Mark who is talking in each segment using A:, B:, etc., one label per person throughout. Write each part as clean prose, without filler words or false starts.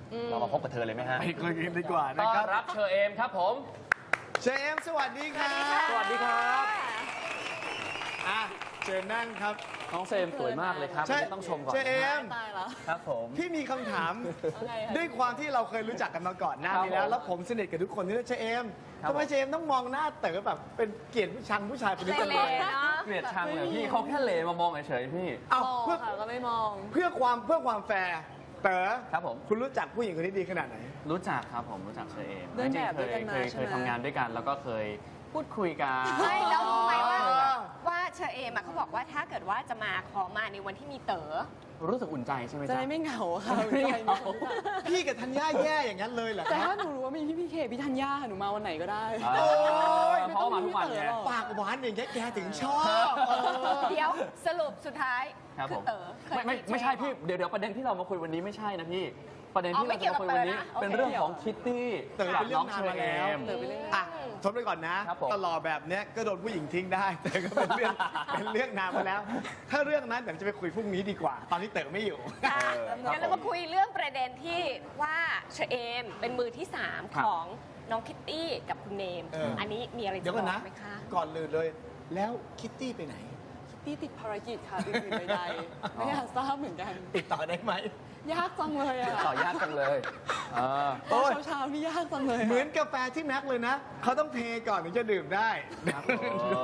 A: เรามาพบกับเธอเลยไหมฮะ
B: ไปคุยกันดีกว่า
A: ต้
B: นะ
A: อน
B: ครับ
A: รับเชอเอมครับผม
B: เชมสวัสดีครับ
A: สวัสดีครับ
B: อ่ะเชิญนั่งครับ
A: น้องเซมสวยมากเลยครับ
B: ใช่
A: ต้องชมก่อน
B: เชเอม
C: ตายแล้ว
A: ครับผม
B: พี่มีคำถาม
C: อะไรคะ
B: ด้วยความที่เราเคยรู้จักกันมาก่อนหน้านี้
A: ครับผม
B: แล้วผมสนิทกับทุกคนที่เชเอม
A: ครับ
B: ทำไมเชเอมต้องมองหน้าเต๋อแบบเป็นเกลียดผู้ชังผู้ชายคนนี้กันเลย
C: เนาะ
A: เกลียดชังเลยพี่เขาแค่เลมามองเฉยๆพี่
B: เอา
C: มอง
B: เพื่อ
C: ค่ะก็ไม่มอง
B: เพื่อความแฟร์เต๋อ
A: ครับผม
B: คุณรู้จักผู้หญิงคนนี้ดีขนาดไหน
A: รู้จักครับผมรู้จักเชอเอม
C: เดินแบบด้วยกันมา
A: เคย
C: ใช่ไหม
A: ทำงานด้วยกันแล้วก็เคยพูดคุยกัน
D: ไม่แล้วรู้ไหมว่า
B: อ๋อ
D: ว่าเชอเอมอะเขาบอกว่าถ้าเกิดว่าจะมาขอมาในวันที่มีเต๋อ
A: รู้สึกอุ่นใจใช่ไหม
C: จะ
A: จ๊ะ
C: ได้ไม่เหงาค่ะ
A: ไม่เหงา
B: พี่กับธัญญาแย่อย่างนั้นเลยเหรอ
C: แต่
B: ครั
C: ถ้า
B: บ
C: หนูรู้ว่ามีพี่เคพี่ธัญญาค่ะหนูมาวันไหนก็ได้
A: โอ้ย
C: ไม่
A: เพราะ
C: ต้อง
A: ว่ามาทุกวันไง
C: พี่เต๋อหรอก
B: ปากหวานอย่างเงี้ยแกถึงชอบ
D: เดี๋ยวสรุปสุดท้าย
A: ครับ
D: คื
A: ผ
D: อ
A: ม
D: เต๋อเคย
A: ไม่ใช่พี่เดี๋ยวประเด็นที่เรามาคุยวันนี้ไม่ใช่นะพี่ ประเด็นที่เราจะมาคุยวันนี้
D: อ๋อไม่เกี่ยวกับเต๋อนะ
A: เป็นเรื่องของคิตตี้
B: เต๋อเป็นเรื่องนานมาแล้ว
C: เต๋อไปเรื่อย
B: อ่ะทนไปก่อนนะ
A: ครับผม
B: ตลอดแบบเนี้ยก็โดนผู้หญิงทิ้งได้ แต่ก็เป็นเรื่อง เป็นเรื่องนานมาแล้ว ถ้าเรื่องนั้นเดี๋ยวจะไปคุยพรุ่งนี้ดีกว่า ตอนนี้เต๋อไม่อยู่
D: ค่ะ
A: ครับ
D: งั้นเรามาคุยเรื่องประเด็นที่ว่าเชอเอมเป็นมือที่ 3
A: ครับ
D: ของน้องคิตตี้กับคุณเนม
B: เอออั
D: อันนี้มีอะไร
B: เดี๋
D: จะ
B: ยว
D: บ
B: ก่อน
D: อ
B: นะ
D: กไหมคะ
B: ก่อนเลยเลย แล้วคิตตี้ไปไหน
C: พี่ติดภารกิจค่ะอื่นๆใดๆไม่อยากทราบเหมือนกัน
B: ติดต่อได้ไหม
C: ยากจังเลยอะ
A: ต่อยากจังเลยเออ
B: โอ้ย
C: เช้าๆนี่ยากจังเลยะ
B: เหมือนกาแฟที่แม็กเลยนะ เขาต้องเทก่อนถึงจะดื่มได้
A: ครับผม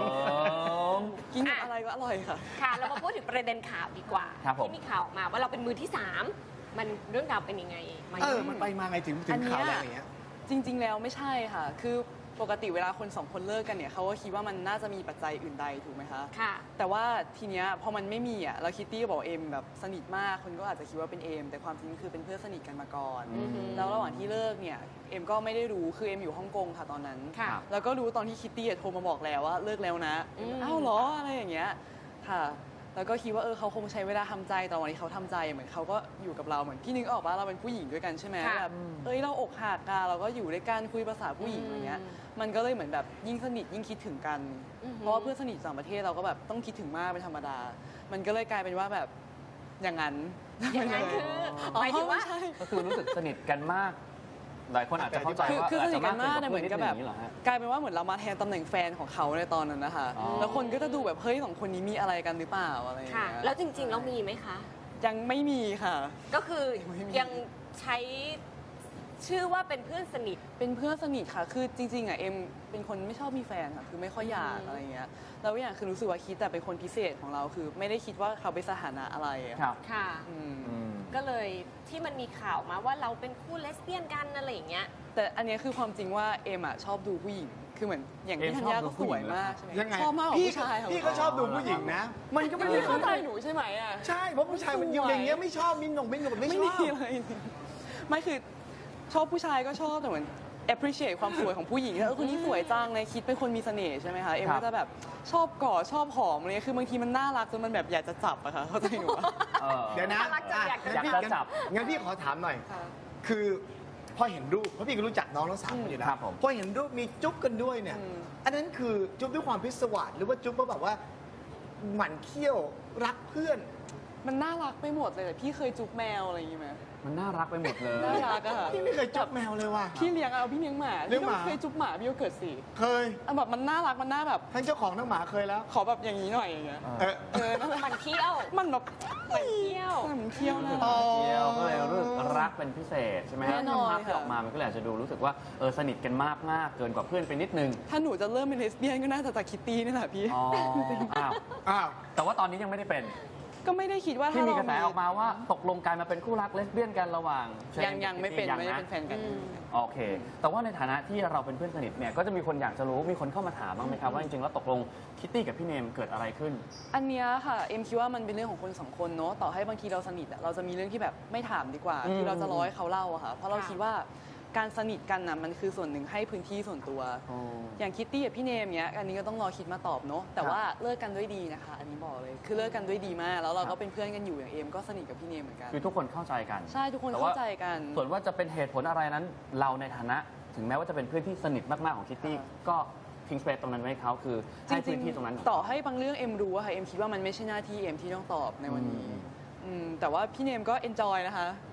C: กินกับอะไรก็อร่อยค่ะ
D: ค่ะ เรามาพูดถึงประเด็นข่าวดีกว่า
A: ครับผม
D: ที่มีข่าวออกมาว่าเราเป็นมือที่ 3 มันเรื่องราวเป็นยังไงมา
B: มันไปมาไงถึง
C: อันเนี้ย
B: ข่าวแรงอย่างเงี้ย
C: จริง ๆ แล้วไม่ใช่ค่ะ คือปกติเวลาคนสองคนเลิกกันเนี่ยเขาก็คิดว่ามันน่าจะมีปัจจัยอื่นใดถูกไหมคะ
D: ค่ะ
C: แต่ว่าทีเนี้ยพอมันไม่มีอ่ะแล้วคิตตี้ก็บอกเอมแบบสนิทมากคนก็อาจจะคิดว่าเป็นเอมแต่ความจริงคือเป็นเพื่อนสนิทกันมาก่อน
D: อือฮึ
C: แล้วระหว่างที่เลิกเนี่ยเอมก็ไม่ได้รู้คือเอมอยู่ฮ่องกงค่ะตอนนั้น
D: ค่ะ
C: แล้วก็รู้ตอนที่คิตตี้โทรมาบอกแล้วว่าเลิกแล้วนะ
D: อืม
C: อ้าวเหรออะไรอย่างเงี้ยค่ะ แล้วก็คิดว่าเขาคงใช้เวลาทำใจแต่วันนี้เขาทำใจเหมือนเขาก็อยู่กับเราเหมือนพี่นึกออกว่าเราเป็นผู้หญิงด้วยกันใช่ไหม
D: ค่ะ
C: แบบเราอกหักกันเราก็อยู่ด้วยกันคุยภาษาผู้หญิงอะไรเงี้ย มันก็เลยเหมือนแบบยิ่งสนิทยิ่งคิดถึงกัน
D: อือหือ
C: เพราะว่าเพื่อนสนิทต่างประเทศเราก็แบบต้องคิดถึงมากเป็นธรรมดา มันก็เลยกลายเป็นว่าแบบอย่างนั้น
D: อย่างนั้นคือหมายถึงว่า
C: ไม่ใช่
A: ก็คือรู้สึกสนิทกันมาก หลายคนอาจจะเข้าใจว่า
C: คือสนิทกันมาก
A: อาจจะ
C: เหมือนกับแบบ
A: เพื่อนนิดนึงย่างนี้เหรอฮะ
C: กลายเป็นว่าเหมือนเรามาแทนตำแหน่งแฟนของเขาในตอนนั้นนะคะ
A: อ๋อ
C: แล้วคนก็จะดูแบบเฮ้ยสองคนนี้มีอะไรกันหรือเปล่าอะไรอย่าง
D: ค่ะ
C: เงี้ย
D: แล้วจริงๆเรามีไหมคะ
C: ยังไม่มีค่ะ
D: ก็คือ
C: ไม่มี
D: ยังใช้ชื่อว่าเป็นเพื่อนสนิท
C: เป็นเพื่อนสนิทค่ะ คือจริงๆอ่ะเอ็มเป็นคนไม่ชอบมีแฟนค่ะคือไม่ค่อยอยาก
D: อืม
C: อะไรเงี้ยแล้วอย่างคือรู้สึกว่าคิดแต่เป็นคนพิเศษของเราคือไม่ได้คิดว่าเขาเป็นสถานะอะไรอะ
A: ครับ
D: ค่ะ
C: อืม
A: อืม
D: ก็เลยที่มันมีข่าวมาว่าเราเป็นคู่เลสเบี้ยนกันอะไรอย่างเงี้ย
C: แต่อันเนี้ยคือความจริงว่าเอ็มอะชอบดูผู้หญิง คือเหมือนอย่างที่
A: เอ็ม
C: ธัญ
A: ชอบ
C: ญา
A: ดู
C: ก็
A: ผู้
C: ส
A: หญิ
C: วย
A: งเหรอ
C: มากใช่ไหม
B: ยังไง
C: ชอบมากกว่า
B: พี่
C: ผู้ชายของ
B: พี่ก็ชอบดูผู้หญิงนะ มันก็ไม่ได้
C: ไม่เข้าใจหนูใช่ไหมอะ
B: ใช่เพราะผู้ชายมันอยู่อย่างเงี้ยไม่ชอบมินหนงไม่หนงไม่
C: ไม่
B: ช
C: มี
B: อบ
C: เลยไม่คือชอบผู้ชายก็ชอบแต่เหมือน appreciate ความสวยของผู้หญิงแล้วคนนี้สวยจังเลยคิดเป็นคนมีเสน่ห์ใช่ไหมคะเอ็ม
A: ครับ
C: ก็จะแบบชอบกอดชอบหอมอะไรเงี้ยคือบางทีมันน่ารักจนมันแบบอยากจะจับอะค่ะเข้าใจหนูปะ
A: เออ
B: เดี๋ยวนะ
D: น่ารักจังอยากจะ
B: งั้นพี่
A: อยากจะจับ
B: งั้นพี่ขอถามหน่อย คือพอเห็นรูปเพราะพี่ก็รู้จักน้องทั้งสามคนอยู่แล้ว
A: ครับผม
B: พอเห็นรูปมีจุ๊บกันด้วยเนี่ย
C: อืม
B: อันนั้นคือจุ๊บด้วยความพิศวาสหรือว่าจุ๊บเพราะแบบว่าหมั่นเคี้ยวรักเพื่อน
C: มันน่ารักไปหมดเลยแต่พี่เคยจุ๊บแมวอะไรอย่างงี้ไหม
A: มันน่ารักไปหมดเลย
C: น่ารักอะ
B: พี่ไม่เคยจุ๊บแมวเลยว่ะ
C: พี่เลี้ยงเอาพี่เลี้ยงหมา
B: เลี้ยงหมา
C: พี่ก็เคยจุ๊บหมาพี่ก็เกิดสิ
B: เคย
C: อะแบบมันน่ารักมันน่าแบบ
B: ทั้งเจ้าของทั้งหมาเคยแล้ว
C: ขอแบบอย่างนี้หน่อยอย่างเงี้ย
B: เออ
C: นั่นแหละ
D: มันเที่ยว
C: มันแบบ
D: มันเที่ยว
C: มันเที่ยวนะ
B: อ๋อ
A: เที่ยวก็เลยรู้สึกรักเป็นพิเศษใช่ไหมฮะ
C: แน่นอน
A: ภาพที่
C: ค่ะ
A: ออกมามันก็เลยอาจจะดูรู้สึกว่าสนิทกันมากมากเกินกว่าเพื่อนไปนิดนึง
C: ถ้าหนูจะเริ่มเป็นเลสเบี้ยนก็น่าจะจากคิตตี้นี่แหละพี่
A: อ๋ออ้าว
B: อ้าว
A: แต่ว่าตอนนี้ยังไม่ได้เป็น
C: ก็ไม่ได้คิดว่า
A: ที่
C: ถ้า
A: มี
C: เรา
A: กระแสออกมาว่าตกลงกลายมาเป็นคู่รักเลสเบี้ยนกันระหว่างเชน
C: ยังไม่เป็น
A: ยัง
C: ไม่ได้
A: นะ
C: เป็นแฟนกัน
D: อืม
A: โอเค แต่ว่าในฐานะที่เราเป็นเพื่อนสนิทเนี่ยก็จะมีคนอยากจะรู้มีคนเข้ามาถามบ้างไหมครับว่าจริงๆแล้วตกลงคิตตี้กับพี่เนมเกิดอะไรขึ้น
C: อันเนี้ยค่ะเอ็มคิดว่ามันเป็นเรื่องของคนสองคนเนาะต่อให้บางทีเราสนิทอะเราจะมีเรื่องที่แบบไม่ถามดีกว่า
A: อืม
C: คือเราจะรอให้เขาเล่าอะค่ะเพราะเรา
D: ค่ะ
C: คิดว่าการสนิทกันน่ะมันคือส่วนหนึ่งให้พื้นที่ส่วนตัว
A: อ๋อ
C: อย่างคิตตี้กับพี่เนมเนี้ยอันนี้ก็ต้องรอคิดมาตอบเนาะแต่ว่าเลิกกันด้วยดีนะคะ อันนี้บอกเลยคือเลิกกันด้วยดีมากแล้วเรา
A: ครั
C: ก็
A: บ
C: เป็นเพื่อนกันอยู่อย่างเอมก็สนิทกับพี่เนมเหมือนกัน
A: คือทุกคนเข้าใจกัน
C: ใช่ทุกคน
A: แต่ว่
C: เข้าใจกัน
A: ส่วนว่าจะเป็นเหตุผลอะไรนั้น เราในฐานะถึงแม้ว่าจะเป็นเพื่อนที่สนิทมากๆของคิตตี้
C: ค่ะ
A: ก็ทิ้งสเปซตรงนั้นไว้ให้เขาคือ
C: จ
A: ให้
C: ริ
A: พื้
C: ง
A: นที่ตรงนั้น
C: ๆต่อให้บางเรื่องเอ็มรู้อะค่ะเอ็มคิดว่ามันไม่ใช่หน้าที่เอ็มที่ต้องตอบในวันนี้
A: อืม
C: แต่ว่าพี่เนมก็เอนจอยนะคะ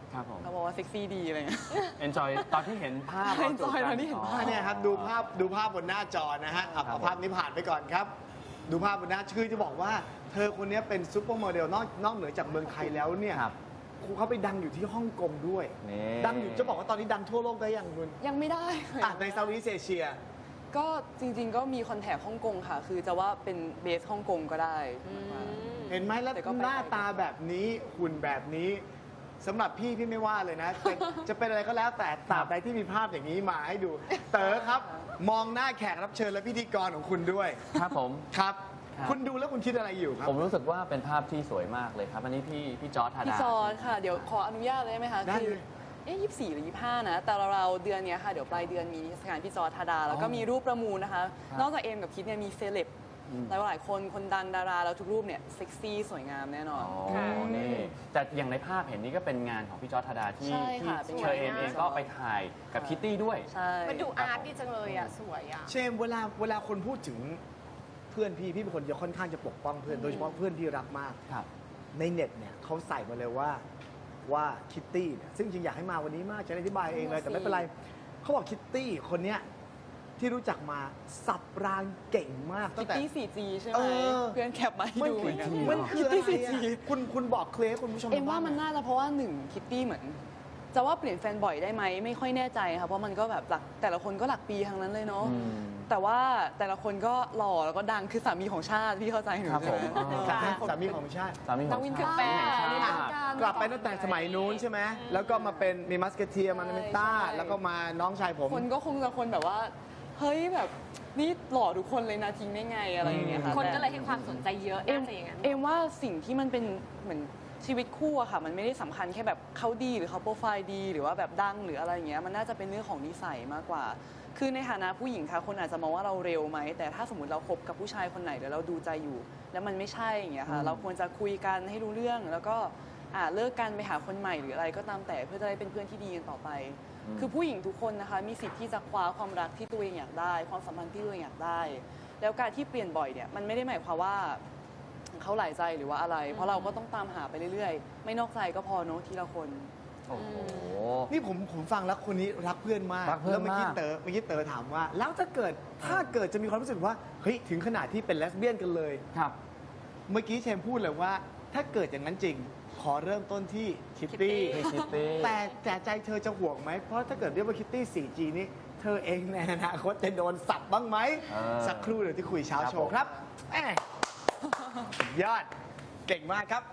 A: ครับผม
C: เขาบอกว่าเซ็กซี่ดีอะไรเงี้ย
A: enjoy ตอนที่เห็นภาพเราจูบ
C: enjoy
A: กั
C: ตอนที่เห็นภาพ
B: เนี่ยครับดูภาพบนหน้าจอนะฮะเอาภาพนี้ผ่านไปก่อนครับ ดูภาพบนหน้าคือจะบอกว่าเธอคนนี้เป็นซูเปอร์โมเดลนอกเหนือจากเมืองไทยแล้วเนี่ย
A: ครับ
B: ครูเขาไปดังอยู่ที่ฮ่องกงด้วย
A: นี่
B: ดังอยู่จะบอกว่าตอนนี้ดังทั่วโลกได้ยังคุณ
C: ยังไม่ได้ค่ะ
B: ในเซาท์อีสเอเชีย
C: ก็จริงๆก็มีคอนแทคฮ่องกงค่ะ คือจะว่าเป็นเบสฮ่องกงก็ได้
B: เห็นไหมแล้ว
C: แต่ก็ไป
B: หน้าตาแบบนี้หุ่นแบบนี้สำหรับพี่ไม่ว่าเลยนะ จะเป็นอะไรก็แล้วแต่ตราบใดที่มีภาพอย่างนี้มาให้ดู เต๋อครับ มองหน้าแขกรับเชิญและพิธีกรของคุณด้วย
A: ครับผม
B: ครับ
A: ครับ
B: คุณดูแล้วคุณคิดอะไรอยู่ครับ
A: ผมรู้สึกว่าเป็นภาพที่สวยมากเลยครับ อันนี้พี่จอร์จธา
C: พี่
A: ดา
C: จอร์จค่ะ เดี๋ยวขออนุญาตเลยได้ไหมคะ
B: ได้
C: คื
B: เลย
C: 24 หรือ 25 นะ แต่เราเดือนเนี้ยค่ะ เดี๋ยวปลายเดือนมีนิทรรศการพี่จอร์จธาดา แล้วก็มีรูปประมูลนะคะ
A: ครับ
C: นอกจากเอมกับคิดเนี่ยมีเซเลบหลายคนคนดังดาราแล้วทุกรูปเนี่ยเซ็กซี่สวยงามแน่นอน
A: อ๋อ
D: ค่ะ
A: นี่แต่อย่างในภาพเห็นนี่ก็เป็นงานของพี่จอร์จธาดาที่
C: ใช่
A: ที่
C: ค่ะเป็น
A: เชอเอม
C: งาน
A: เองก็ไปถ่ายกับคิตตี้ด้วย
C: ใช่
D: มันดูอาร์ตดีจังเลยอ่ะ สวยอ่ะ
B: เชมเวลาคนพูดถึงเพื่อนพี่เป็นคนจะค่อนข้างจะปกป้องเพื่อนโดยเฉพาะเพื่อนที่รักมาก
A: ครับ
B: ในเน็ตเนี่ยเขาใส่มาเลยว่าคิตตี้เนี่ยซึ่งจริงอยากให้มาวันนี้มากจะได้อธิบายเองเลยแต่ไม่เป็นไรเขาบอกคิตตี้คนเนี้ยที่รู้จักมาสับรางเก่งมาก
C: คิ
B: ตั้
C: ต
B: งแต่
C: ตี้ 4G ใช่ไห
B: เอ
C: ม
B: อ
C: เพื่อนแคปมาให้ดูเหมือนกัน
B: มันคืออะไร
C: คิตตี้
B: อะ
C: 4G
B: คุณบอกเคลให้คุณผู้ชม
C: เอ็มว่า
B: ทง
C: มันน่าจะเพราะว่าหนึ่งคิตตี้เหมือน จะว่าเปลี่ยนแฟนบ่อยได้ไหมไม่ค่อยแน่ใจค่ะเพราะมันก็แบบหลักแต่ละคนก็หลักปีทั้งนั้นเลยเนาะ
A: อืม
C: แต่ว่าแต่ละคนก็หล่อแล้วก็ดังคือสามีของชาติพี่เข้าใจหนู
A: ครับ
C: ใช่ไหม
A: ผม
B: สามีของชาติ
A: สามีของ
C: นักวิน
A: ชา
C: คือ
A: ติ
C: แฟน
A: ชา
C: นี่
A: ติ
C: ทำการ
B: กลับไปตั้งแต่สมัยนู้นใช่ไหมแล้วก็มาเป็นมีมัสเกเทียมานาเมนต้า
C: ใช่
B: แล้วก็มาน้องชายผม
C: คนก็คงจะคนแบบว่า เฮ้ยแบบนี่หล่อทุกคนเลยนะทิ้งได้ไงอะไรอย่างเงี้ยค่ะ
D: คน
C: แต่
D: ก็เลยให้ความสนใจเยอะ
C: เอ็ม
D: น่าจะอย่างนั้น
C: เอ็มว่าสิ่งที่มันเป็นเหมือนชีวิตคู่อะค่ะ มันไม่ได้สำคัญแค่แบบเขาดีหรือเขาโปรไฟล์ดีหรือว่าแบบดังหรืออะไรอย่างเงี้ยมันน่าจะเป็นเรื่องของนิสัยมากกว่า คือในฐานะผู้หญิงค่ะคนอาจจะมองว่าเราเร็วไหมแต่ถ้าสมมติเราคบกับผู้ชายคนไหนแล้วเราดูใจอยู่ แล้วมันไม่ใช่อย่างเงี้ยค่ะเราควรจะคุยกันให้รู้เรื่องแล้วก็เลิกกันไปหาคนใหม่หรืออะไรก็ตามแต่เพื่อจะได้เป็นเพื่อนที่ดีกันต่อไป คือผู้หญิงทุกคนนะคะมีสิทธิ์ที่จะคว้าความรักที่ตัวเองอยากได้ ความสัมพันธ์ที่ตัวเองอยากได้ แล้วการที่เปลี่ยนบ่อยเนี่ยมันไม่ได้หมายความว่าเขาหลายใจหรือว่าอะไร เพราะเราก็ต้องตามหาไปเรื่อยๆ ไม่นอกใจก็พอเนอะทีละคน
A: โอ้โห
B: นี่ผมฟังแล้วคนนี้รักเพื่อนมาก
A: รักเพื่อน
B: แล้วเมื่อกี้
A: มาก
B: เต๋อถามว่า แล้วถ้าเกิดจะมีความรู้สึกว่าเฮ้ยถึงขนาดที่เป็นเลสเบี้ยนกันเลย
A: ครับ
B: เมื่อกี้เชมพูดเลยว่า ถ้าเกิดอย่างนั้นจริง ขอเริ่มต้นที่คิตตี้
A: พี่คิตตี้
B: แต่ใจเธอจะห่วงไหม เพราะถ้าเกิดเรียกว่าคิตตี้ 4G นี้ เธอเองในอนาคตจะโดนสับบ้างไหม สักครู่เดี๋ยวที่คุยเช้าโชว์ครับแหม่สุดยอดเก่งมากครับ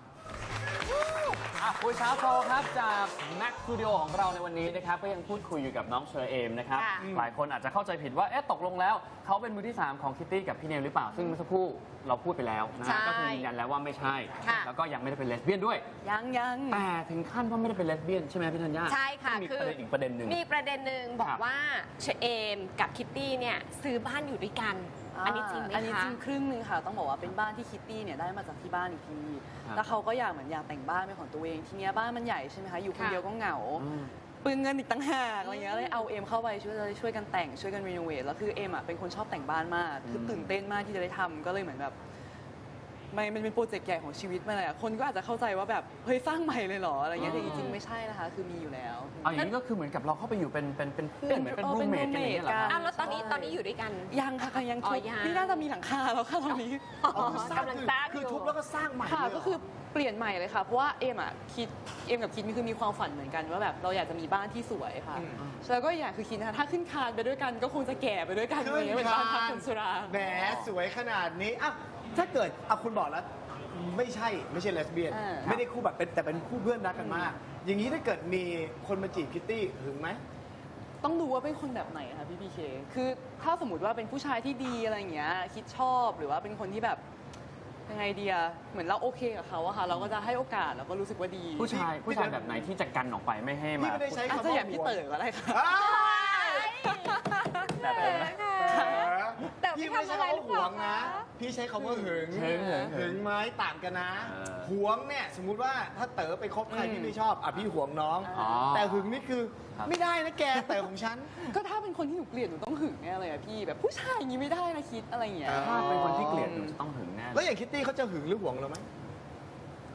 A: คุยเช้าโชว์ครับจากแม็กสตูดิโอของเราในวันนี้นะครับก็ยังพูดคุยอยู่กับน้องเชอเอมนะครับ
D: ค่ะ
A: หลายคนอาจจะเข้าใจผิดว่าเอ๊ะตกลงแล้วเขาเป็นมือที่ 3 ของคิตตี้กับพี่เนมหรือเปล่า ซึ่งเมื่อสักครู่เราพูดไปแล้วนะ
D: ใช่
A: ฮะก็คือยืนยันแล้วว่าไม่ใช่
D: ค่ะ
A: แล้วก็ยังไม่ได้เป็นเลสเบี้ยนด้วย
C: ยัง
A: แต่ถึงขั้นว่าไม่ได้เป็นเลสเบี้ยนใช่ไหมพี่ธัญญา
D: ใช่ค่ะ
A: มี
D: คือ
A: ประเด็นอีกประเด็นหนึ่ง
D: มีประเด็นหนึ่งบอ
A: ครั
D: ก
A: บ
D: ว่าเชเอมกับคิตตี้เนี่ยซื้อบ้านอยู่ด้วยกัน อันนี้จริงไหม
C: อันนี้
D: คะ
C: จริงครึ่งหนึ่งค่ะ ต้องบอกว่าเป็นบ้านที่คิตตี้เนี่ยได้มาจากที่บ้านอีกที
A: ครับ
C: แล้วเขาก็อยากเหมือนอยากแต่งบ้านเป็นของตัวเอง ทีเนี้ยบ้านมันใหญ่ใช่ไหมคะ อยู่คน
D: ค่ะ
C: เดียวก็เหงา
A: อืม
C: เปลืองเงินอีกต่างหากอะไรเงี้ยเลยเอาเอ็มเข้าไปช่วยกันแต่งช่วยกันรีโนเวทแล้วคือเอ็มอ่ะเป็นคนชอบแต่งบ้านมาก คือตื่นเต้นมากที่จะได้ทำก็เลยเหมือนแบบมันเป็นโปรเจกต์ใหญ่ของชีวิตมาเลยอะคนก็อาจจะเข้าใจว่าแบบเฮ้ยสร้างใหม่เลยเหรออะไรเงี้ยแต่จริงๆไม่ใช่นะคะ คือมีอยู่แล้ว
A: เอาอย่างนี้ก็คือเหมือนกับเราเข้าไปอยู่เป็นเพื่อนเหมือนเป็นรูมเมทกันอย่างเงี้ยเหรอครับ
D: อ้าวแล้วตอนนี้อยู่ด้วยกัน
C: ยังค่ะยัง
D: อ๋
C: ทุ
D: อบ ยัง
C: นี่น่าจะมีหลังคาแล้วค่ะตอนนี้
B: อ๋อคือก
D: ำลังสร้างอยู่
B: คือทุบแล้วก็สร้างใหม่
C: ค่ะ
B: เลยเหร
C: ก็คือเปลี่ยนใหม่เลยค่ะ เพราะว่าเอ็มกับคิดคือมีความฝันเหมือนกันว่าแบบเราอยากจะมีบ้านที่สวยค่ะ แล้วก็อีกอย่างคือคิดนะคะถ้าขึ้นคานไปด้วยกันก็คงจะแก่ไปด้วยกันอะไรเงี้ยเป็นบ้านพักคนชรา
B: แหมสวยขนาดนี้อ่ะถ้าเกิดเอาคุณบอกแล้วไม่ใช่เลสเบี้ยน ไม่ได้คู่แบบแต่เป็นคู่เพื่อนรักกันมาก อย่างนี้ถ้าเกิดมีคนมาจีบคิตตี้หึงไหม
C: ต้องดูว่าเป็นคนแบบไหนคะพี่พีเคคือถ้าสมมติว่าเป็นผู้ชายที่ดีอะไรอย่างเงี้ยคิดชอบหรือว่าเป็นคนที่แบบยังไงเดียเหมือนเราโอเคกับเขาอะค่ะเราก็จะให้โอกาสแล้วก็รู้สึกว่าดี
A: ผู้ชายแบบไหนที่จะกันออกไปไม่ให้
B: พี่
A: มา
B: ไม่ได้ใช้
C: อาจ
B: คำ
C: จะ
B: ว่า
C: อย่างพี่เต๋อก็ได้ค่ะ
B: อ้าว
A: แบบเดิมนะ
D: แต่ไม่
B: พี่ไม่
D: ทำ
B: ใช้
D: อะไร
B: คำ
D: หรือ
B: ว่า
D: เป
B: หว
D: ล่าง
B: นะ
D: คะ
B: พี่ใช้คำว่าหึง
A: หึง
B: หึงไหมต่างกันนะ
A: เออ
B: หวงเนี่ยสมมุติว่าถ้าเต๋อไปคบใครที่ไม่ชอบอ่ะพี่หวงน้อง
A: อ๋อ
B: แต่หึงนี่คือ
A: ครับ
B: ไม่ได้นะแกเต๋อของฉัน
C: ก็ถ้าเป็นคนที่หนูเกลียดหนูต้องหึงแน่เลยอะพี่แบบผู้ชายอย่างนี้ไม่ได้นะคิดอะไรอย่างเงี้ย
B: เออ
A: ถ้าเป็นคนที่เกลียดหนูจะต้องหึงแน่
B: แล้วอย่างคิตตี้เขาจะหึงหรือหวงเราไหม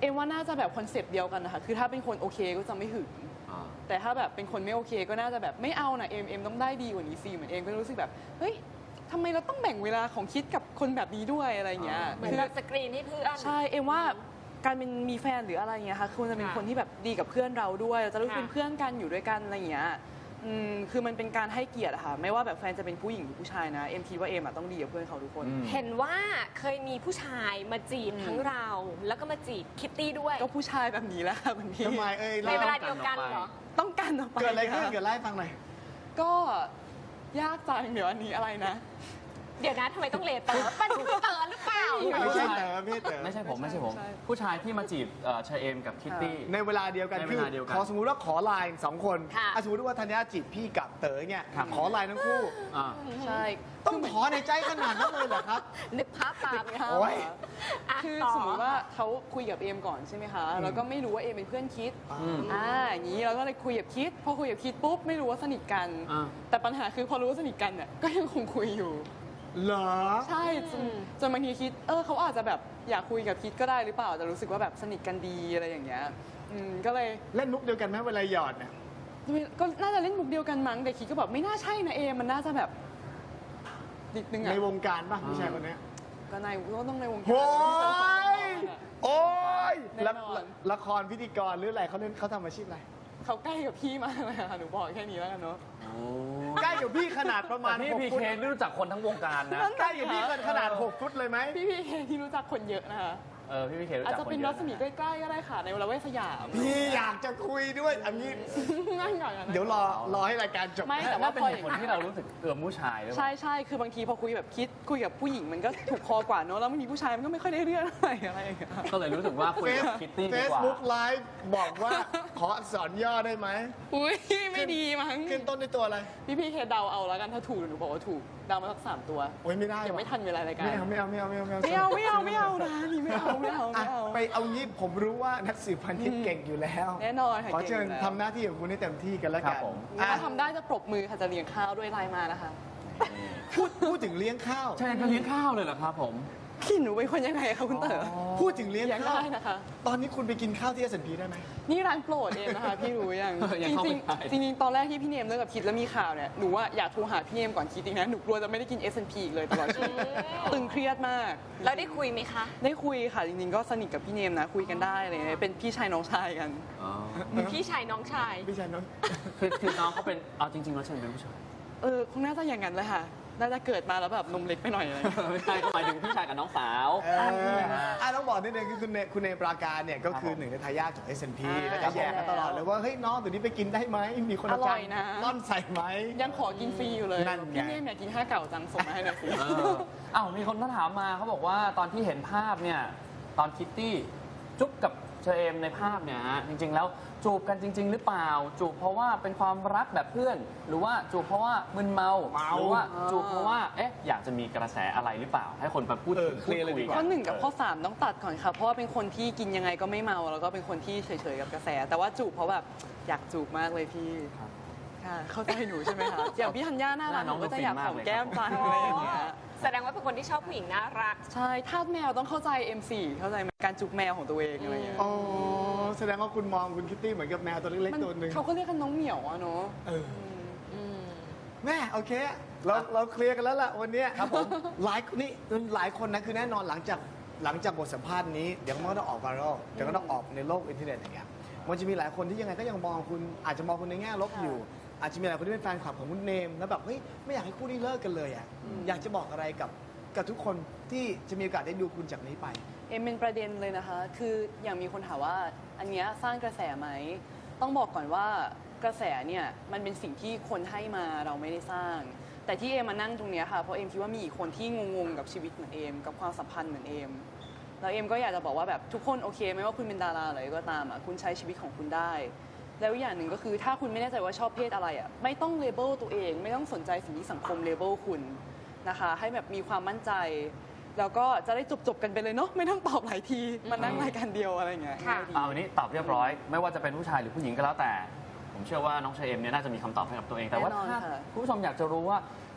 C: เอ็มว่าน่าจะแบบคอนเซปต์เดียวกันนะคะคือถ้าเป็นคนโอเคก็จะไม่หึง
A: อ่า
C: แต่ถ้าแบบเป็นคนไม่โอเคก็น่าจะแบบไม่เอานะเอ็มต้องได้ดีกว่านี้สิเหมือนเอ็มก็รู้สึกแบบเฮ้ยทำไมเราต้องแบ่งเวลาของคิดกับคนแบบนี้ด้วยอะไรเงี้ย
D: เหมือนแบบสกรีนให้เพื่อน
C: ใช่เอ็มว่าการเป็นมีแฟนหรืออะไรเงี้ยค่ะควรจะเป็น
D: ค่ะ
C: คนที่แบบดีกับเพื่อนเราด้วยเราจะรู้สึก
D: ค่ะ
C: เป็นเพื่อนกันอยู่ด้วยกันอะไรเงี้ยคือมันเป็นการให้เกียรติอะค่ะไม่ว่าแบบแฟนจะเป็นผู้หญิงหรือผู้ชายนะเอ็มคิดว่าเอ็มอะต้องดีกับเพื่อนเขาทุกคน
A: อืม
D: เห็นว่าเคยมีผู้ชายมาจีบทั้งเรา แล้วก็มาจีบคิตตี้ด้วย
C: ก็ผู้ชายแบบนี้แหละค่ะคุณพี่
B: ทำไมเอ้ย
D: ในเวลาเดียวกันเหรอ
C: ต้องการออกไป
B: เกิดอะไรขึ้น
C: ค่
B: เกิดไล่าให้ฟังหน่อย
C: ก็ยากจังเดี๋ยวอันนี้อะไรนะ
D: เดี๋ยวนะทำไมต้องเลเตอร์เป็นเตอร์หรือเปล่า
B: ไม่ใช่เต๋อไม่ใช่เต๋อ
A: ไม่ใช่ผมไม่ใช่ผม
C: ใช่
A: ผู้ชายที่มาจีบเชอเอมกับคิตตี้
B: ในเวลาเดียวกัน
A: ใน
B: คื
A: เว
B: อ
A: ลาเดียวกัน
B: ขอสมมุติว่าขอไลน์2 คน
D: ค่ะ
B: สมมติว่าธัญญาจีบพี่กับเต๋อเนี่ย
A: ครับ
B: ขอไลน์ทั้งคู่
A: อ่า
C: ใช่
B: ต้องขอในใจขนาดนั้นเลยเหรอครับ
D: นึกภาพตาม
C: ค่ะ
B: โอ้ย
D: อ่ะ
C: คือ
D: ต่
C: สมมติว่าเขาคุยกับเอมก่อนใช่ไหมคะแล้วก็ไม่รู้ว่าเอมเป็นเพื่อนคิด
A: อืม
C: อย่างนี้เราก็เลยคุยกับคิด พอคุยกับคิดปุ๊บไม่รู้ว่าสนิทกัน
A: อ่า
C: แต่ปัญหาคือพอรู้ว่าสนิทกันเนี่ยก็ยังคงคุยอยู่
B: เหรอ
C: ใช่จนบางทีคิดเขาอาจจะแบบอยากคุยกับคิดก็ได้หรือเปล่าแต่รู้สึกว่าแบบสนิทกันดีอะไรอย่างเงี้ยก็เลย
B: เล่นมุกเดียวกันไหมเวลาหยอดเนี่ย
C: ก็น่าจะเล่นมุกเดียวกันมั้งแต่คิดก็แบบไม่น่าใช่นะเอมมันน่าจะแบบนิดนึง
B: ใน
C: อะ
B: วงการป่ะผู้ชายคนเนี้ย
C: ก็ในก็ต้องในวงการ
B: โอ้ย
C: ที่จะ
B: โอ้ย
C: แน่นอน
B: ละครพิธีกรหรืออะไรเขาทำอาชีพอะไร
C: เขาใกล้กับพี่มากเลยค่ะหนูบอกแค่นี้แล้วกันเนาะ
B: ใกล้กับพี่ขนาดประมาณ
A: แต่พี่
B: 6
A: พี
B: ฟุ
A: เค
B: ต
A: ไม่รู้จักคนทั้งวงการนะ
B: ใกล้กับพี่ขนาด6 ฟุตเลยไหม
C: พี่เคที่รู้จักคนเยอะนะคะ
A: พี่พีเครู้
C: อาจ
A: จัก
C: จะ
A: คน
C: เป็น
A: เย
C: รั
A: อะ
C: ศมี
A: นะ
C: ใกล้ๆก็ได้ค่ะในละเวศสยาม
B: พี่อยากจะคุยด้วยอันนี้
C: ง่ายหน่อยอะนะ
B: เดี๋ยวรอให้รายการจบ
C: ไม่
A: แต่
C: แต่
A: ว่า
C: ว่า
A: เป็น
C: พอ
A: เหตุผลที่เรารู้สึกผู้ชายหรือเป
C: ใช่
A: ล่า
C: ใช่คือบางทีพอคุยแบบคุยกับผู้หญิงมันก็ถูกคอกว่าเนอะแล้วบางทีผู้ชายมันก็ไม่ค่อยได้เรื่องอะไรอย่างเงี้ย
A: ก็เลยรู้สึกว่าคุยกับคิตตี้
B: เฟ
A: ดี
B: ซ
A: กว่า
B: บุ๊กไลฟ์บอกว่าขออักษรย่อได้ไหม
C: อุ้ยไม่ดีมั้ง
B: ขึ้นต้นด้วยตัวอะไร
C: พี่เคเดาเอาแล้วกันถ้าถูกหนูบอกว่าถูกเดามาสัก3 ตัว
B: โอ้ยไม่ได้
C: ยังไม่ทันเวลารายการ
B: ไม่เอา
C: ไม่เอานะนี่ไม่เอา
B: อ่ะไปเอางี้ผมรู้ว่านักสืบพันทิพย์เก่งอยู่แล้ว
C: แน่นอนค่ะ
B: ขอเชิญ
C: ก่งยู่แล้ว
B: ทำหน้าที่ของคุณให้เต็มที่กันแล้ว
A: ครั
B: กับ น
A: ผม
B: อ่ะ
C: ถ้าทำได้จะปรบมือค่ะจะเลี้ยงข้าวด้วยไลน์มานะคะ
B: พูดถึงเลี้ยงข้าว
A: ใช่ก็เลี้ยงข้าวเลยเหรอครับผม
C: พี่หนูเป็นคนยังไงคะคุณเต๋อ
B: พูดถึงเลี้ยง
C: เลี้ยง
B: ข้าว
C: ได้นะคะ
B: ตอนนี้คุณไปกินข้าวที่ S&P ได้ไหม
C: นี่ร้านโปรดเองนะคะ พี่รู้ยัง
A: ยัง
C: จ
A: เข้า
C: ริ
A: ไม่
C: ง
A: ได้
C: ๆจริงๆตอนแรกที่พี่เนมเลิกกับคิดแล้วมีข่าวเนี่ยหนูว่าอยากโทรหาพี่เนมก่อนคิดอีกนะหนูกลัวจะไม่ได้กิน S&P อีกเลยตลอดชีวิตตึงเครียดมาก
D: แล้วได้คุยไหมคะ
C: ได้คุยค่ะจริงๆก็สนิทกับพี่เนมนะคุยกันได้อะไรเลยเป็นพี่ชายน้องชายกัน
A: อ๋อ
D: พี่ชายน้องชาย
B: พี่ชายน้อง
A: คือน้องเขาเป็นเอาจริงๆแล้วเชิญเป็นผู้ชาย
C: คงน่าจะอย่างนั้นเลยค่ะน่าจะเกิดมาแล้วแบบนมเล็กไปหน่อยอะไรอย่างเงี้ย
A: ไม่ใช่ก็หมายถึงพี่ชายกับน้องสาว
B: ต้องบอกนิดนึงคือคุณเนมปราการเนี่ยก็คือ
A: ครับผม
B: หนึ่งในทายาทของ S&P
C: อ่า
B: แล้วก็แย่กันตลอดเลยว่าเฮ้ยน้องตัวนี้ไปกินได้ไหมมีคน
C: อร่อยนะ
B: ร่อนใส่ไหม
C: ยังขอกินฟรีอยู่เลย
B: นั่นไง
C: พี่เนมอยากกินข้าวเก่าจังส่งมาให้หน่อยสิ
A: อ้าวมีคนมาถามมาเขาบอกว่าตอนที่เห็นภาพเนี่ยตอนคิตตี้จุ๊บกับเชอเอมในภาพเนี่ยฮะจริง ๆ แล้วจูบกันจริง ๆ หรือเปล่า จูบเพราะว่าเป็นความรักแบบเพื่อน หรือว่าจูบเพราะว่ามึนเมา หรือว่าจูบเพราะว่าอยากจะมีกระแสอะไรหรือเปล่า ให้คนไปพูดถึง
B: เคลียร์เลยดีกว่า
C: ข้อ1กับข้อ 3 ต้องตัดก่อนค่ะ เพราะว่าเป็นคนที่กินยังไงก็ไม่เมา แล้วก็เป็นคนที่เฉยๆกับกระแส แต่ว่าจูบเพราะแบบอยากจูบมากเลยพี่
A: ครับ
C: ค่ะ เข้าใจหนูใช่ไหมคะ อย่างพี่ธัญญาน่ารัก
A: ห
C: ห
A: น้าน้
C: นู
A: อง
C: ก็จะอยาก
A: ดูฟินมาก
C: หอม
A: เลย
C: แก้ม
A: ครับ
C: จังอะไรอย่างเงี้ย
D: แสดงว่าเป็นคนที่ชอบผู้หญิงน่ารัก
C: ใช่ทาสแมวต้องเข้าใจ M4 เข้าใจไหมการจูบแมวของตัวเองอะไรอย่างเงี้ย
B: อ๋อแสดงว่าคุณมองคุณคิตตี้เหมือนกับแมวตัวเล็ก
C: มัน
B: ๆตัวหนึ่ง
C: เขาก็เรียกกันน้องเหมียวอะเนาะ
B: เออแม่โอเคเราเคลียร์กันแล้วล่ะวันเนี้ย
A: ครับผม
B: หลายคนนะคือแน่นอนหลังจากบทสัมภาษณ์นี้เดี๋ยวมันก็ต้องออกไวรัลเดี๋ยวก็ต้องออกในโลกอินเทอร์เน็ตอย่างเงี้ยมันจะมีหลายคนที่ยังไงก็ยังมองคุณอาจจะมองคุณในแง่ลบอยู่ อาจจะมีหลายคนที่เป็นแฟนคลับของคุณเนมแล้วแบบเฮ้ยไม่อยากให้คู่นี้เลิกกันเลยอ่ะอยากจะบอกอะไรกับทุกคนที่จะมีโอกาสได้ดูคุณจากนี้ไป
C: เอ็มเป็นประเด็นเลยนะคะ คืออย่างมีคนถามว่าอันเนี้ยสร้างกระแสไหม ต้องบอกก่อนว่ากระแสเนี่ยมันเป็นสิ่งที่คนให้มาเราไม่ได้สร้าง แต่ที่เอมมานั่งตรงเนี้ยค่ะ เพราะเอมคิดว่ามีอีกคนที่งงๆกับชีวิตเหมือนเอมกับความสัมพันธ์เหมือนเอม แล้วเอมก็อยากจะบอกว่าแบบทุกคนโอเคไม่ว่าคุณเป็นดาราอะไรก็ตามอ่ะคุณใช้ชีวิตของคุณได้ แล้วอย่างหนึ่งก็คือถ้าคุณไม่แน่ใจว่าชอบเพศอะไรอ่ะไม่ต้องเลเบลตัวเอง ไม่ต้องสนใจสิ่งที่สังคมเลเบลคุณนะคะให้แบบมีความมั่นใจ แล้วก็จะได้จบกันไปเลยเนาะไม่ต้องตอบหลายทีมานั่งรายการเดียวอะไรอย่างเงี้ย
D: ค่ะ
C: ง่ายดี
A: วันนี้ตอบเรียบร้อย ไม่ว่าจะเป็นผู้ชายหรือผู้หญิงก็แล้วแต่ ผมเชื่อว่าน้องเชอเอมเนี่ยน่าจะมีคำตอบให้กับตัวเอง แต่ว่า
C: แน่นอน
A: ถ้า
C: ค่ะ
A: คุณผู้ชมอยากจะรู้ว่า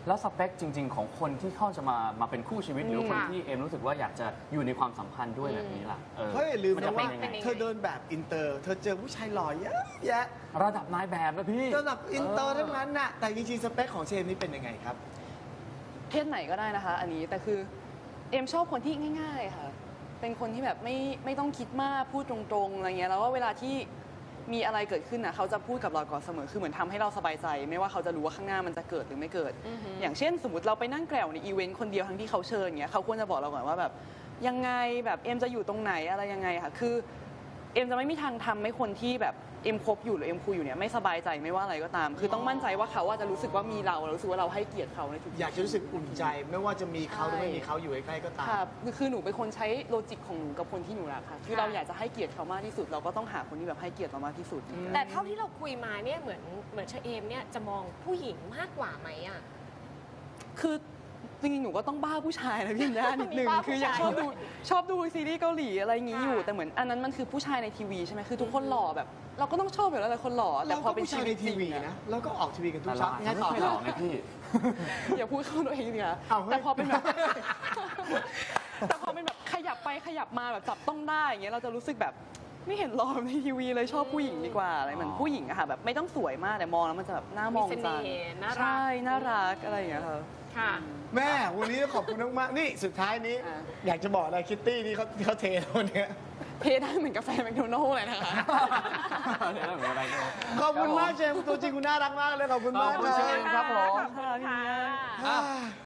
A: แล้วสเปคจริง ๆ ของคนที่เข้าจะมาเป็นคู่ชีวิตหรือว่าคนที่เอมรู้สึกว่าอยากจะอยู่ในความสัมพันธ์ด้วยแบบนี้ล่ะ
B: เพราะอย่าลืม
A: มัน
B: นะ
A: จะเป็
B: ว่าน
A: ยังไง
B: เธอเดินแบบอินเตอร์ เธอเจอผู้ชายหล่อเยอะแยะ
A: ระดับนายแบบนะพี่
B: ระดับอินเตอร์ทั้งนั้นน่ะแต่จริงๆสเปคของเชมนี่เป็นยังไงครับ
C: เพศไหนก็ได้นะคะ อันนี้แต่คือเอมชอบคนที่ง่าย ๆ ค่ะ เป็นคนที่แบบไม่ต้องคิดมากพูดตรงๆอะไรเงี้ยแล้วก็เวลาที่มีอะไรเกิดขึ้นนะเขาจะพูดกับเราก่อนเสมอคือเหมือนทำให้เราสบายใจ ไม่ว่าเขาจะรู้ว่าข้างหน้ามันจะเกิดหรือไม่เกิด อย่างเช่น สมมติเราไปนั่งแกล่วในอีเวนต์คนเดียวทั้งที่เขาเชิญเงี้ยเขาควรจะบอกเราก่อนว่าแบบยังไงแบบเอมจะอยู่ตรงไหนอะไรยังไงค่ะคือเอมจะไม่มีทางทำให้คนที่แบบเอ็มคบอยู่หรือเอ็มคุยอยู่เนี่ยไม่สบายใจไม่ว่าอะไรก็ตาม คือต้องมั่นใจว่าเขาว่าจะรู้สึกว่ามีเรารู้สึกว่าเราให้เกียรติเขาในทุก
B: อยากจะรู้สึกอุ่นใจ ไม่ว่าจะมีเขาหรือไม่มีเขาอยู่ใกล้ๆก็ตาม
C: ค่ะคือหนูเป็นคนใช้โลจิกของหนูกับคนที่หนูรักค่ะคือเราอยากจะให้เกียรติเขามากที่สุด เราก็ต้องหาคนที่แบบให้เกียรติเรามากที่สุด
D: แต่เท่าที่เราคุยมาเนี่ยเหมือนเชเอมเนี่ยจะมองผู้หญิงมากกว่าไหมอ่ะ
C: คือจริงๆ หนูก็ต้องบ้าผู้ชายนะพี่ย่านิดนึง
D: มีบ้าผู้
C: คือยัง
D: ชาย
C: ชอบดูซีรีส์เกาหลีอะไรอย่างงี้
D: ค่ะ
C: อยู่ แต่เหมือนอันนั้นมันคือผู้ชายในทีวีใช่ไหมคือทุกคนหล่อแบบ เราก็ต้องชอบอยู่แล้วแต่คนหล่อแต่
B: เรา
C: พอ
B: ก็
C: เป็น
B: ผู้
C: ชี
B: ชาย
C: วิ
B: ใน
C: ตจ
B: ที
C: ริง
B: วี
C: อะ
B: นะเราก็ออกทีวีกันทุ
A: แต่
B: ก
A: เรา
B: เช้า
A: อาจ
B: ไง
A: จะ
B: ต่อ
A: ไม่ค่อยหล่อไงพี่
C: อย่าพูดเข้าตัวเองดีค่ะ
B: เอาเฮ้ย
C: แต่พอเป็นแบบ แต่พอเป็นแบบขยับไปขยับมาแบบจับต้องได้อย่างเงี้ยเราจะรู้สึกแบบไม่เห็นหล่อในทีวีเลยชอบผู้หญิงดีกว่าอะไรเหมือนผู้หญิงอะค่ะแบบไม่ต้องสวยมากแต่มองแล้วมันจะแบบน่ามอง
D: มีเส
C: จั
D: น่
C: ง
D: ห์น่ารัก
C: ใช่น่ารักอะไรอย่างเงี้ยค่ะ
D: ค่ะ
B: แม่วันนี้ขอบคุณมากๆนี่สุดท้ายนี้
C: อ่ะ
B: อยากจะบอกอะไรคิตตี้ที่เขาเทเราเนี่ย
C: เทได้เหมือนกาแฟแมคโดนัลล์เลยนะคะ
A: เดี๋ยวเหมือนอะไรกัน
B: ขอบคุณมากเจมส์ตัวจริงคุณน่ารักมากเลยขอบคุณมาก
A: ขอบคุณเชฟ ครับผม
C: ขอบคุณค่ะ
B: อ่า